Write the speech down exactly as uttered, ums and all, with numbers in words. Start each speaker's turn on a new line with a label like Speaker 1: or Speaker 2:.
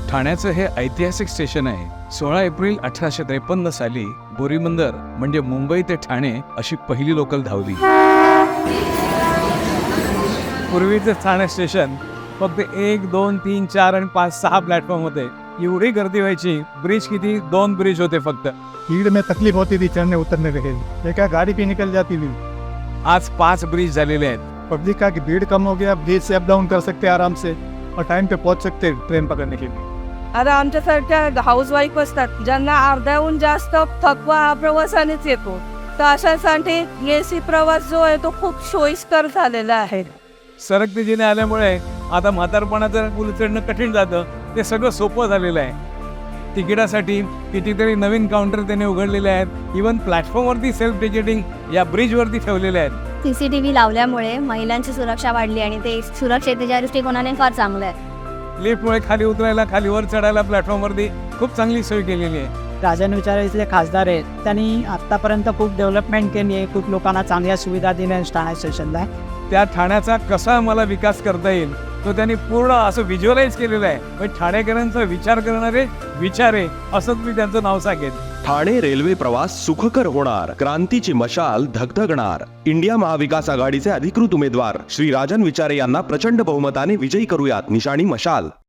Speaker 1: ठाण्याचं हे ऐतिहासिक स्टेशन आहे। सोळा एप्रिल अठराशे त्रेपन्न साली बोरीबंदर म्हणजे मुंबई ते ठाणे अशी पहिली लोकल धावली। पूर्वीचे ठाणे स्टेशन फक्त एक दोन तीन चार आणि पाच सहा प्लॅटफॉर्म होते। एवढी गर्दी व्हायची, ब्रिज किती, दोन ब्रिज होते फक्त।
Speaker 2: भीड़ में तकलीफ होती थी चढ़ने उतरने के लिए, एक गाड़ी भी निकल जाती थी।
Speaker 1: आज पाच ब्रिज झालेले आहेत।
Speaker 2: पब्लिक का कि भीड़ कम हो गया, ब्रिज से अप डाउन कर सकते हैं आराम से और टाइम पे पहुंच सकते हैं ट्रेन पकड़ने के लिए।
Speaker 3: आता आमच्यासारख्या हाऊसवाईफ असतात ज्यांना अर्ध्याहून जास्त थकवा हा प्रवासानेच येतो, तर अशासाठी एसी प्रवास जो आहे तो खूप सोयीस्कर झालेला आहे।
Speaker 1: सरकती जिने आल्यामुळे आता म्हातारपणाचं पूल चढणं कठीण जातं, ते सगळं सोपं झालेलं आहे। तिकिटासाठी कितीतरी नवीन काउंटर त्याने उघडलेले आहेत। इवन प्लॅटफॉर्मवरती सेल्फ टिकिटिंग या ब्रिजवरती ठेवलेले आहेत।
Speaker 4: सीसीटीव्ही लावल्यामुळे महिलांची सुरक्षा वाढली आणि ते सुरक्षेच्या दृष्टिकोनाने फार चांगलं आहे।
Speaker 1: लिफ्टमुळे खाली उतरायला, खाली वर चढायला प्लॅटफॉर्मवरती खूप चांगली सोय केलेली आहे।
Speaker 5: राजन विचारे इथले खासदार आहेत, त्यांनी आत्तापर्यंत खूप डेव्हलपमेंट केली आहे, खूप लोकांना चांगल्या सुविधा दिल्या ठाणे स्टेशनला।
Speaker 1: त्या ठाण्याचा कसा मला विकास करता येईल तो त्यांनी पूर्ण असं व्हिज्युअलाइज केलेलं आहे। म्हणजे ठाणेकरांचा विचार करणारे विचारे असंच मी त्यांचं नाव सांगेन।
Speaker 6: ठाणे रेल्वे प्रवास सुखकर होणार, क्रांतीची मशाल धगधगणार। इंडिया महाविकास आघाडीचे अधिकृत उमेदवार श्री राजन विचारे यांना प्रचंड बहुमताने विजयी करूयात, निशाणी मशाल।